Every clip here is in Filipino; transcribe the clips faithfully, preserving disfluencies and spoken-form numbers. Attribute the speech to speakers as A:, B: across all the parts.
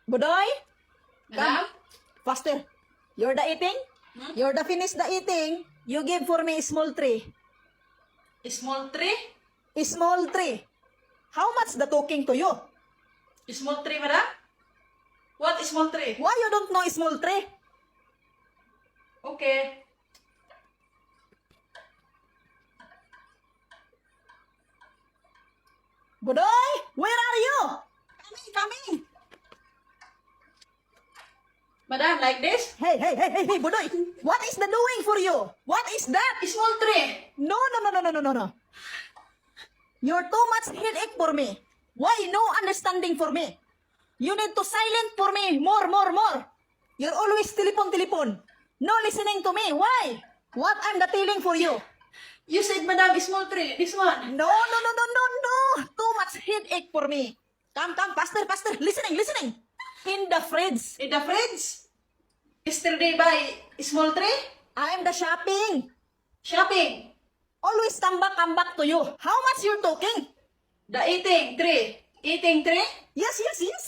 A: Budoy,
B: Madam?
A: faster. You're the eating?
B: Hmm?
A: You're the finish the eating. You give for me small tree.
B: Small tree?
A: Small tree. How much the talking to you?
B: Small tree, madam? What small tree?
A: Why you don't know small tree?
B: Okay.
A: Budoy, where are you? Coming, coming.
B: Madam, like this?
A: Hey, hey, hey, hey, hey, Budoy. What is the doing for you? What is that?
B: Small tree.
A: No, no, no, no, no, no, no, no. You're too much headache for me. Why no understanding for me? You need to silent for me more, more, more. You're always telephone, telephone. No listening to me. Why? What I'm the telling for you?
B: You said, madam, small tree. This one.
A: No, no, no, no, no, no. Too much headache for me. Come, come, faster, faster. Listening, listening. In the fridge.
B: In the fridge? Yesterday buy small tree?
A: I'm the shopping.
B: Shopping.
A: Always come back, come back to you. How much you're talking?
B: The eating tree. Eating tree?
A: Yes, yes, yes.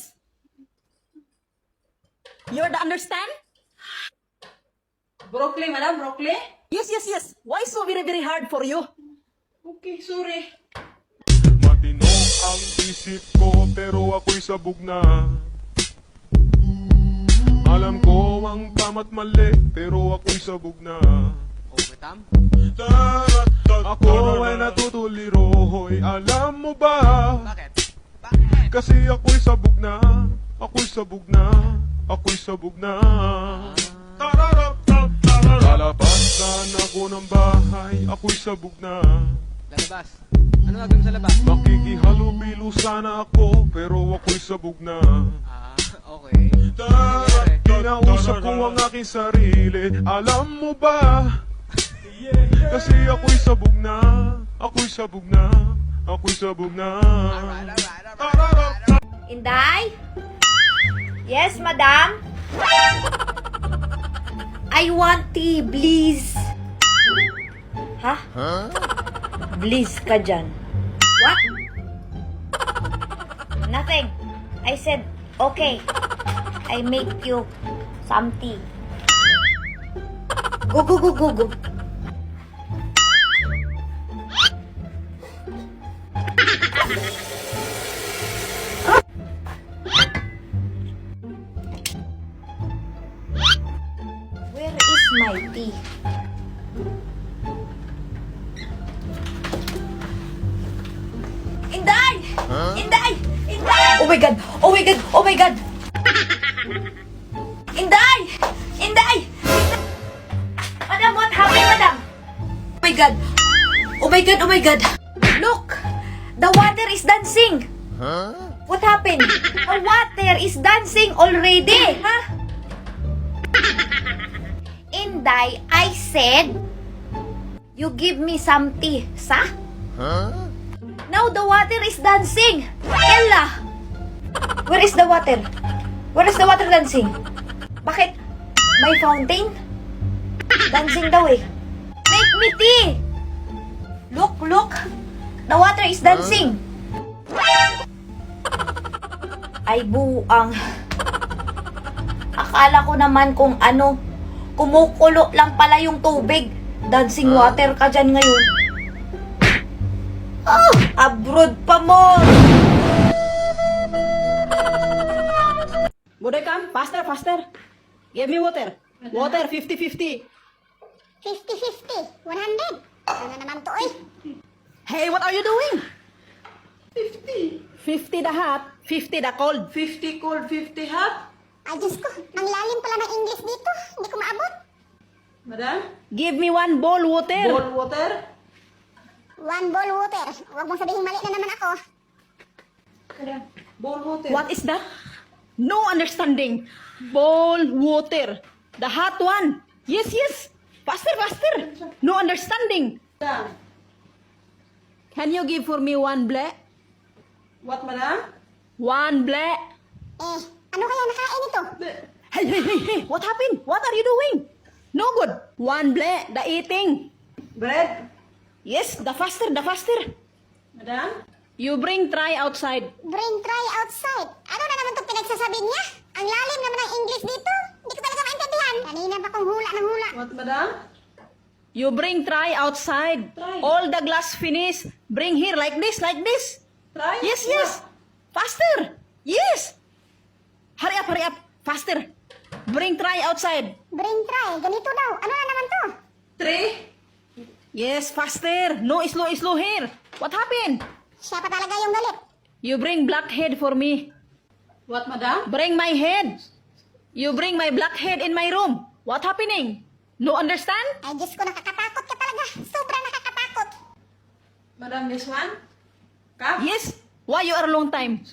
A: You're the understand?
B: Broccoli, madam, broccoli?
A: Yes, yes, yes. Why so very, very hard for you?
B: Okay, sorry.
C: Matino ang isip ko pero ako'y sabog na. Alam ko ang tama't mali pero ako'y sabog na.
D: Overtime?
C: Ako ay natutuliro, hoy, alam mo ba?
D: Bakit? Bakit?
C: Kasi ako'y sabog na, ako'y sabog na, ako'y sabog na. Lalabasan ako ng bahay, ako'y sabog na.
D: Lalabas. Ano gagawin mo sa labas?
C: Makikihalubilo sana ako, pero ako'y sabog na.
D: Ah, okay. Nangyari?
C: Kinausap ko ang aking sarili, alam mo ba? Kasi ako'y sabog na, ako'y sabog na, ako'y sabog na.
D: Alright, alright, alright, alright.
E: Inday? Yes, madam? I want tea, please. Ha? Please ka dyan. What? Nothing. I said, okay. I make you some tea. Go, go, go, go, go. Where is my tea? Inday! Inday! Inday! Oh my god! Oh my god! Oh my god! Inday! Inday! Madam, what happened, madam? Oh my god! Oh my god! Oh my god! Look! The water is dancing! What happened? The water is dancing already! Huh? Inday, I said, you give me some tea, sa? Now the water is dancing. Ella, where is the water? Where is the water dancing? Bakit? May fountain? Dancing daw eh. Make me tea. Look, look. The water is dancing. Ay buang. Akala ko naman kung ano, kumukulo lang pala yung tubig. Dancing water ka dyan ngayon. Ah, abroad pa mo.
A: Budoy, come. Faster, faster. Give me water. Water, fifty fifty.
F: fifty fifty, one hundred. Ano naman to eh?
A: Hey, what are you doing?
B: fifty.
A: fifty the hot, fifty the cold.
B: fifty cold, fifty hot.
F: Ay, Diyos ko, ang lalim pala ng English dito. Hindi ko maabot.
B: Madam,
A: Give me one bowl water.
B: bowl water.
F: One bowl water. Huwag mong sabihin mali na naman ako.
B: Madam, bowl water.
A: What is that? No understanding. Bowl water. The hot one. Yes, yes. Faster, faster. No understanding.
B: Madam,
A: Can you give for me one black?
B: what, madam?
A: One black.
F: Eh, ano kaya nakain ito?
A: Hey, hey, hey, hey. What happened? What are you doing? No good. One black. The eating.
B: Bread.
A: Yes, the faster, the faster.
B: Madam,
A: You bring try outside.
F: Bring try outside. Ano na naman itong pinagsasabi niya? Ang Ang lalim naman ng English dito. Hindi ko talaga maintindihan. Kanina pa kong hula ng hula.
B: What, madam?
A: You bring try outside.
B: Try.
A: All the glass finish. Bring here like this, like this.
B: Try?
A: Yes, yes. Faster. Yes. Hurry up, hurry up. Faster. Bring try outside.
F: Bring try. Ganito daw. Ano na naman to?
B: Three?
A: Yes, faster. No slow, slow here. What happened?
F: Siya pa talaga yung galit.
A: You bring black head for me.
B: What, madam?
A: Bring my head. You bring my black head in my room. What happening? No understand?
F: Ay, Diyos ko, nakakatakot ka talaga. Sobrang nakakatakot.
B: Madam, this one? Cup?
A: Yes. Why you are long time?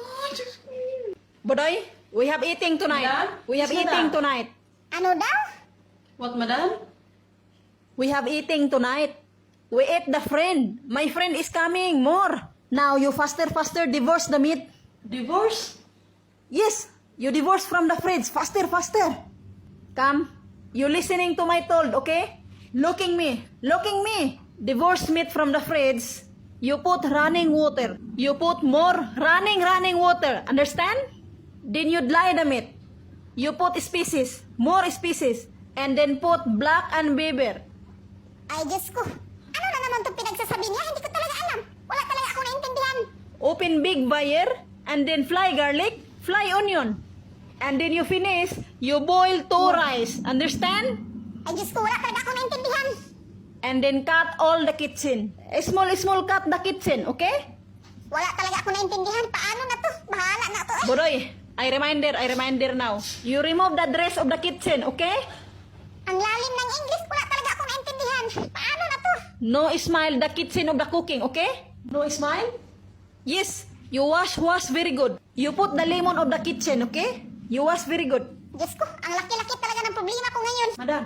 A: Bodoy, we have eating tonight.
B: Madam?
A: We have
B: Yes,
A: eating
B: madam.
A: tonight.
F: Ano daw?
B: What, madam?
A: We have eating tonight. We ate the friend. My friend is coming. More. Now you faster, faster divorce the meat.
B: Divorce?
A: Yes, you divorce from the fridge. Faster, faster. Come. You listening to my told, okay? Looking me. Looking me. Divorce meat from the fridge. You put running water. You put more running, running water. Understand? Then you dry the meat. You put species. More species. And then put black and pepper.
F: Ay, Diyos ko. Ano na naman itong pinagsasabi niya? Hindi ko talaga alam. Wala talaga ako naintindihan.
A: Open big fire, and then fry garlic, fry onion. And then you finish, you boil two rice. Understand?
F: Ay, Diyos ko, wala talaga ako naintindihan.
A: And then cut all the kitchen. Small, small cut the kitchen, okay?
F: Wala talaga ako naintindihan. Paano na to? Bahala na to. Eh.
A: Bodoy, I reminder, I reminder now. You remove the dress of the kitchen, okay?
F: Ang lalim ng English, wala talaga ako naintindihan. Paano na to?
A: No smile the kitchen of the cooking, okay?
B: No smile?
A: Yes, you wash, wash very good. You put the lemon of the kitchen, okay? You wash very good.
F: Diyos ko, ang laki-laki talaga ng problema ko ngayon.
B: Madam?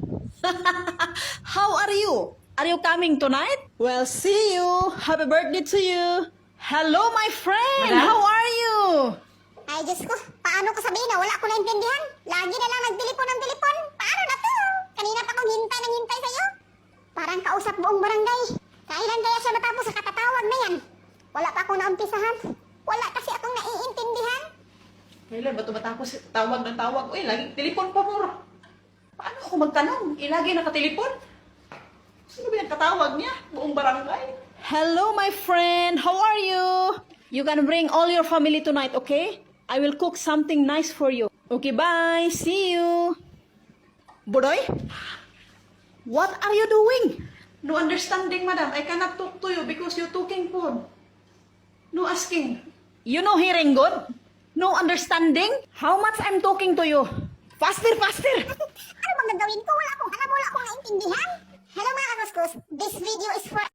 A: How are you? Are you coming tonight? Well, see you. Happy birthday to you. Hello, my friend.
B: Madam?
A: How are you?
F: Ay, Diyos ko, paano ko sabihin na wala ko naintindihan? Lagi na lang nagtelepon ng telepon. Paano na to? Kanina pa kong hintay ng hintay sa'yo. Parang kausap buong barangay. Kailan kaya siya matapos sa katatawag na yan? Wala pa akong naumpisahan. Wala kasi akong naiintindihan.
B: Kailan ba ito matapos tawag ng tawag? Uy, laging telepon pa mo. Paano ako magtanong? Eh, lagi nakatelepon. Sino ba yung katawag niya? Buong barangay.
A: Hello, my friend. How are you? You can bring all your family tonight, okay? I will cook something nice for you. Okay, bye. See you. Bodoy? What are you doing?
B: No understanding, madam. I cannot talk to you because you're talking phone. No asking.
A: You know hearing good? No understanding? How much I'm talking to you? Faster, faster!
F: Ano bang gagawin ko? Wala akong alam, wala akong naintindihan. Hello mga kakuskus, this video is for